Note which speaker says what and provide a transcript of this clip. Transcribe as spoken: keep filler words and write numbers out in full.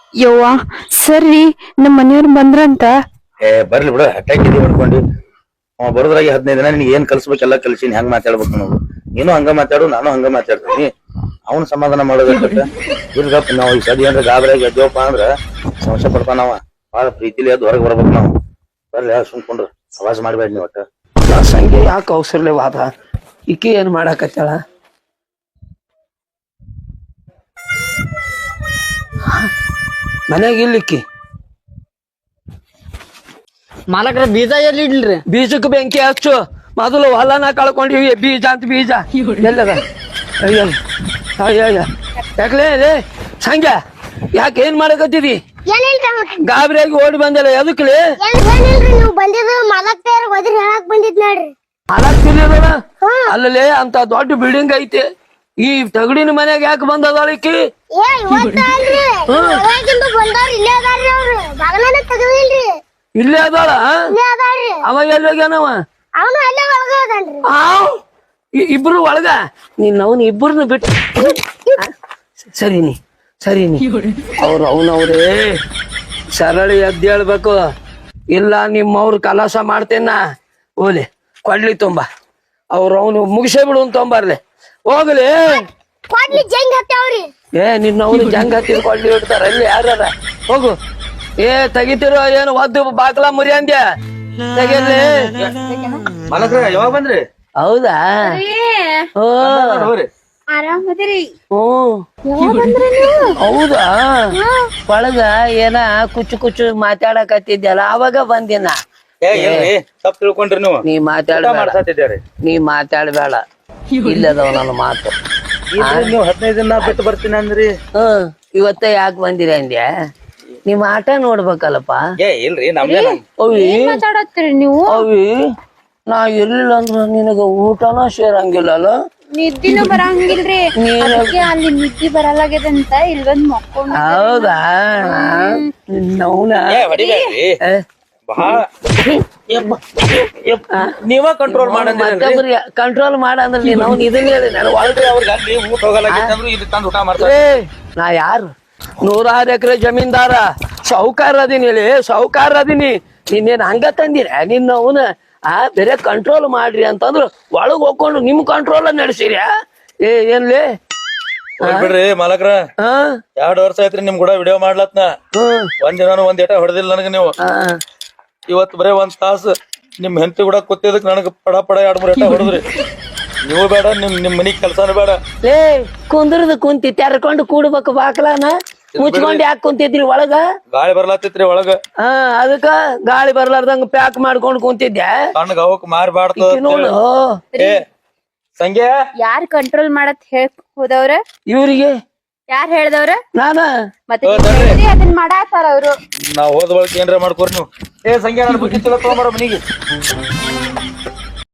Speaker 1: ಯವ್ವ ಸರಿ ನಮ್ಮ ಮನೆಯವ್ರು ಬಂದ್ರಂತ.
Speaker 2: ಏ ಬರ್ಲಿ ಬಿಡು ಹಟ್ಟಾಕಿ ಮಾಡ್ಕೊಂಡು ಅವ ಬರೋದ್ರಾಗಿ ಹದಿನೈದು ದಿನ ನಿನ್ಗೆ ಏನ್ ಕಲ್ಸ್ಬೇಕೆಲ್ಲ ಕಲ್ಸಿನಿ ಹೆಂಗ್ ಮಾತಾಡ್ಬೇಕು ನಾವು. ನೀನು ಹಂಗ ಮಾತಾಡು ನಾನು ಹಂಗ ಮಾತಾಡ್ತೀನಿ. ಅವ್ನ ಸಮಾಧಾನ ಮಾಡೋದಕ್ಕ ಇರ್ಗಪ್ಪ ನಾವು ಈ ಸದಿ ಅಂದ್ರೆ ಗಾಬರಿಯಾಗಿ ಎದ್ದೇವಪ್ಪ ಅಂದ್ರ ಸಮಸ್ಯೆ ಪಡ್ತಾನವ. ಬಾಳ ಪ್ರೀತಿಲಿ ಎದ್ದು ಹೊರಗೆ ಬರ್ಬೇಕು ನಾವು. ಬರ್ಲಿ ಸುಮ್ಕೊಂಡ್ರ ಅವಾಜ್ ಮಾಡ್ಬೇಡ ನೀವ್ ಒಟ್ಟ.
Speaker 3: ಸಂಖ್ಯೆ ಯಾಕೆ ಅವಸರಲೆ ವಾದ ಈಕಿ ಏನ್ ಮಾಡಾಕತ್ತಾಳ? ಮನ್ಯಾಗ ಇಲ್ಲಿಕ್ಕಿ
Speaker 4: ಮಾಲಕ್ರ ಬೀಜ ಎಲ್ಲಿ ಇಡ್ಲ್ರಿ?
Speaker 3: ಬೀಜಕ್ಕೆ ಬೆಂಕಿ ಹಚ್ಚು. ಮೊದಲು ಹೊಲನ ಕಳ್ಕೊಂಡಿವಿ ಬೀಜ ಅಂತ ಬೀಜ ಎಲ್ಲದ? ಅಯ್ಯ ಅಯ್ಯ ಯಾಕಲೇ ರೇ ಸಂಖ್ಯಾ ಯಾಕೆ ಏನ್ ಮಾಡಕತ್ತಿದಿ? ಗಾಬರಿಯಾಗಿ ಓಡಿ ಬಂದಲ್ಲ ಎದಕ್ಲಿ?
Speaker 5: ನೀವು ಬಂದಿದ್ದು ಮಾಲಕ್ ತಯಾರ ಹೋದ್ರಿ ಹೇಳಕ್ ಬಂದಿದ್ ನೋಡ್ರಿ.
Speaker 3: ಮಾಲಕ್ ತಿಳಿಯೋದಲ್ಲ ಅಲ್ಲಲೇ ಅಂತ ದೊಡ್ಡ ಬಿಲ್ಡಿಂಗ್ ಐತಿ. ಈ ತಗಡಿನ ಮನ್ಯಾಗ ಯಾಕೆ ಬಂದದಾಳಿಕಿ?
Speaker 5: ಏ ಇವತ್ತ ಅಲ್ರಿ ಒಳಗಿಂದ ಬಂದವ್ರು ಇಲ್ಲೇ ಅದಾರ್ರಿ. ಅವ್ರು ಬಾಗಲನ ತೆಗದಿಲ್ರಿ.
Speaker 3: ಇಲ್ಲೇ ಅದಾಳ?
Speaker 5: ಇಲ್ಲೇ ಅದಾರ್ರಿ.
Speaker 3: ಅವ ಎಲ್ಲಿ ಹೋಗ್ಯಾನವ?
Speaker 5: ಅವನು ಅಲ್ಲೇ ಒಳಗ ಅದಾನ್ರಿ.
Speaker 3: ಆ ಇಬ್ರು ಒಳಗ ನೀನ್ ಅವನ್ ಇಬ್ಬರನ್ನ ಬಿಟ್ಟು ಸರಿ ನೀ ಸರಿ ನೀ ಅವ್ರು ಅವನವ್ರೇ ಸರಳಿ ಎದ್ದು ಹೇಳ್ಬೇಕು. ಇಲ್ಲ ನಿಮ್ಮವ್ರ ಕಲಾಸ ಮಾಡ್ತೇನ ಓಲಿ ಕೊಡ್ಲಿ ತುಂಬ ಅವ್ರು ಅವನು ಮುಗಿಸೇ ಬಿಡು ತೊಂಬರ್ಲಿ ಹೋಗ್ಲಿ.
Speaker 5: ಕೊಡ್ಲಿ ಜಂಗ್ ಹತ್ತವ್ರಿ.
Speaker 3: ಏ ನಿನ್ನ ಅವ್ನು ಜಂಗ್ ಹತ್ತಿದ್ ಕೊಡ್ಲಿ ಇಡ್ತಾರ ಅಲ್ಲಿ ಯಾರ ಹೋಗು. ಏ ತೆಗಿತಿರೋ ಏನು ಒದ್ದು ಬಾಗ್ಲ ಮುರಿ ಅಂದ್ಯ ತೆಗಿರ್ಲಿ.
Speaker 2: ಮಾಲಕ್ರ ಯಾವಾಗ ಬಂದ್ರಿ?
Speaker 3: ಹೌದಾ? ಓ
Speaker 5: ಆರಾಮದಿರಿ?
Speaker 3: ಹ್ಮ್ ಹೌದಾ? ಒಳಗ ಏನ ಕುಚ್ಚು ಕುಚ್ಚು ಮಾತಾಡಕತ್ತಿದ್ಯಲ್ಲ ಅವಾಗ ಬಂದಿನ.
Speaker 2: ತಪ್ಪು ತಿಳ್ಕೊಂಡ್ರಿ ನೀವು.
Speaker 3: ನೀ ಮಾತಾಡ
Speaker 2: ಮಾಡ್ಸಾತಿದ್ದೀರಿ.
Speaker 3: ನೀ ಮಾತಾಡ್ಬೇಡ ಇಲ್ಲದವ ನನ್ನ ಮಾತು.
Speaker 2: ನೀವು ಹದಿನೈದು ದಿನ ಬಿಟ್ಟು ಬರ್ತೀನಿ ಅಂದ್ರಿ.
Speaker 3: ಹ್ಮ್ ಇವತ್ತ ಯಾಕೆ ಬಂದಿರ ಅಂದ್ಯ? ನಿಮ್ ಆಟ ನೋಡ್ಬೇಕಲ್ಲಪ್ಪ.
Speaker 2: ಏ ಇಲ್ರಿ ನಮ್ಗೆ
Speaker 3: ಅವಿ
Speaker 1: ಮಾತಾಡತ್ತೀರಿ ನೀವು?
Speaker 3: ಅವಿ ನಾ ಇರ್ಲಿಲ್ಲ ಅಂದ್ರ ನಿನಗ ಊಟನ ಸೇರಂಗಿಲ್ಲಲ್ಲ.
Speaker 1: ನಿದ್ದಿನೂ ಬರಂಗಿಲ್ರಿ. ಅದಕ್ಕೆ ಅಲ್ಲಿ ನಿದ್ದಿ ಬರಲಾಗ್ಯದಂತ ಇಲ್ಲಿ ಬಂದ್ ಮಕ್ಕೊಂಡ್.
Speaker 3: ಹೌದಾ? ನೌನ
Speaker 2: ಬಹಳ ನೀವ ಕಂಟ್ರೋಲ್
Speaker 3: ಮತ್ತೊಬ್ರಿ ಕಂಟ್ರೋಲ್ ಮಾಡ ಅಂದ್ರೆ ನೀನ್ ಅವ್ನ ಇದನ್ನ ಹೇಳಿ ನಾನು ಒಳಗ್ರಿ
Speaker 2: ಅವ್ರಿಗೆ ಅಲ್ಲಿ ಊಟ ಹೋಗಲ್ಲ ಇಲ್ಲಿ ತಂದು ಊಟ ಮಾಡ್ತಾರೆ.
Speaker 3: ನಾ ಯಾರು ನೂರಾರು ಎಕರೆ ಜಮೀನ್ದಾರ ಸೌಕಾರ ಅದೀನಿ ಹೇಳಿ ಸೌಕಾರ ಅದೀನಿ. ನಿನ್ನೇನ್ ಹಂಗ ತಂದಿರ ನಿನ್ನ ಅವನ ಆ ಬೇರೆ ಕಂಟ್ರೋಲ್ ಮಾಡ್ರಿ ಅಂತಂದ್ರು ಒಳಗ್ ಹೋಗ್ಕೊಂಡು ನಿಮ್ ಕಂಟ್ರೋಲ್ ನಡೆಸಿರಿ. ಏ ಏನ್ಲಿ
Speaker 2: ಬಿಡ್ರಿ ಮಾಲಕ್ರ.
Speaker 3: ಹಾ
Speaker 2: ಎರಡ್ ವರ್ಷ ಆಯ್ತ್ರಿ ನಿಮ್ ಕೂಡ ವಿಡಿಯೋ ಮಾಡ್ಲತ್ನ. ಒಂದ್ ದಿನ ಒಂದ್ ಏಟ ಹೊಡೆದಿಲ್ಲ ನನಗ ನೀವು. ಇವತ್ ಬರೇ ಒಂದ್ ತಾಸು ನಿಮ್ ಹೆಂಡತಿ ಕೂಡ ಕೂತಿದಕ್ ನನಗ ಪಡ ಪಡ ಎರಡ್ ಮೂರ್ ಏಟ ಹೊಡೆದ್ರಿ. ನೀವು ಬೇಡ ನಿಮ್ ನಿಮ್ ಮನಿ ಕೆಲ್ಸಾನು ಬೇಡ.
Speaker 3: ಏ ಕುಂದ್ರದು ಕುಂತಿ ತೆರ್ಕೊಂಡು ಕೂಡ್ಬೇಕು ಬಾಕ್ಲಾನ ಮುಚ್ಕೊಂಡ್ ಯಾಕೆ ಕುಂತಿದ್ರಿ ಒಳಗ?
Speaker 2: ಗಾಳಿ ಬರ್ಲಾತಿತ್ರಿ ಒಳಗ.
Speaker 3: ಹಾ ಅದಕ್ಕ ಗಾಳಿ ಬರ್ಲಾರ್ದಂಗ ಪ್ಯಾಕ್ ಮಾಡ್ಕೊಂಡ್ ಕುಂತಿದ್ದೆ.
Speaker 2: ಕಣ್ಗ ಅವಕ್ ಮಾರ್ಬಾರ್ದು
Speaker 3: ನೋಡು.
Speaker 2: ಏ ಸಂಖ್ಯಾ
Speaker 1: ಯಾರ್ ಕಂಟ್ರೋಲ್ ಮಾಡತ್ ಹೇಳ್ ಹೋದವ್ರ?
Speaker 3: ಇವ್ರಿಗೆ
Speaker 1: ಯಾರ್ ಹೇಳ್ದವ್ರ?
Speaker 3: ನಾನ
Speaker 1: ಮತ್ತೆ ಅದನ್ನ ಮಾಡಾತಾರ ಅವ್ರು.
Speaker 2: ನಾವ್ ಹೋದ ಬಳಕ ಏನ್ರ ಮಾಡ್ಕೋರಿ ನೀವು. ಏ ಸಂಖ್ಯಾ ನನ್ ಬುದ್ಧಿ ಚಲೋ ತಗೊಂಬಾರ ಮನಿಗೆ.